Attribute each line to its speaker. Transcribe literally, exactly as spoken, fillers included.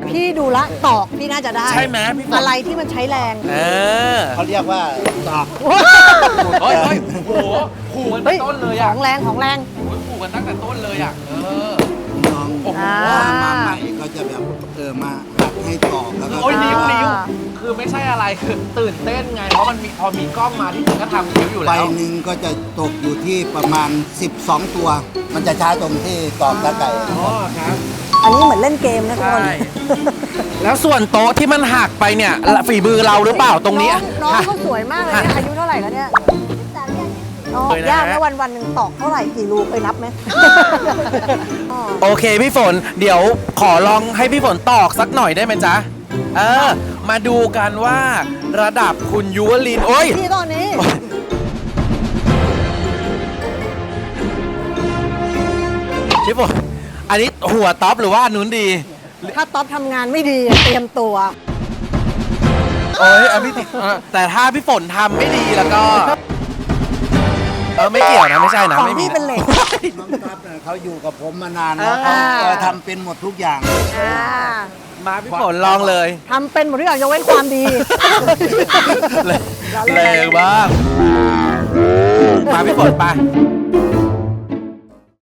Speaker 1: พี่ดูละตอกพี่น่าจะได้
Speaker 2: ใช่ไหมพี่ฝน
Speaker 1: อะไรที่มันใช้แรง
Speaker 2: เออ
Speaker 3: เขาเรียกว่าตอก
Speaker 2: เฮ้ยเฮ้ยโหขู่กันตั้งแต่ต้นเลย
Speaker 1: ข
Speaker 2: อ่ะ
Speaker 1: องแรงของแรง
Speaker 2: โอ้ยขู่กันตั้งแต่ต้นเลยอ่ะเออ
Speaker 3: น้อง
Speaker 2: โอ้โห
Speaker 3: ว่ามาใหม่เขาจะแบบเออมาหัดให้ตอกแล้วก็
Speaker 2: โอ้ยนิ้วนิ้ว
Speaker 1: อ่า
Speaker 2: คือไม่ใช่อะไรคือตื่นเต้นไงเพราะมันมีพอมีกล้องมาที่จริงก็ทำนิ้วอยู่
Speaker 3: ใบ
Speaker 2: แล้ว
Speaker 3: หนึ่งก็จะตกอยู่ที่ประมาณสิบสองตัว มันจะช้าตรงที่ตอกตะไก่
Speaker 2: อ๋อครับ
Speaker 1: อันนี้เหมือนเล่นเกมนะทุกคน
Speaker 2: ใช่ แล้วส่วนโต๊ะที่มันหักไปเนี่ยฝีมือเราหรือเปล่าตรงนี้
Speaker 1: น้องน้องเขาสวยมากเลยเนี่ยอายุเท่าไหร่แล้วเนี่ยน้อง
Speaker 2: เลยนะ
Speaker 1: ยากนะวันวันๆหนึ่งตอกเท่าไหร่กี่รูเคยนับไหมอ๋อ
Speaker 2: โอเคพี่ฝนเดี๋ยวขอลองให้พี่ฝนตอกสักหน่อยได้ไหมจ๊ะเออมาดูกันว่าระดับคุณยุวลินโอ้ย
Speaker 1: พี่ตอนนี้
Speaker 2: พี่ฝนอันนี้หัวท็อปหรือว่าอันนู้นดี
Speaker 1: ถ้าต๊อปทำงานไม่ดีเตรียมตัว
Speaker 2: โอ้ยอันพี่ติเออแต่ถ้าพี่ฝนทำไม่ดีแล้วก็เออไม่เกี่ยวนะไม่ใช่นะ
Speaker 1: ของ
Speaker 2: ไม่มี
Speaker 1: พี่เป็นเหล็ก
Speaker 3: น้องทัพเนี่ยเขาอยู่กับผมมานานแล้ว
Speaker 1: อ่า
Speaker 3: เขาจะทำเป็นหมดทุกอย่าง
Speaker 1: อ่า
Speaker 2: มาพี่ฝนลองเลย
Speaker 1: ทำเป็นหมดทุกอย่างยกเว้นความดี
Speaker 2: แรงบ้างมาพี่ฝนไป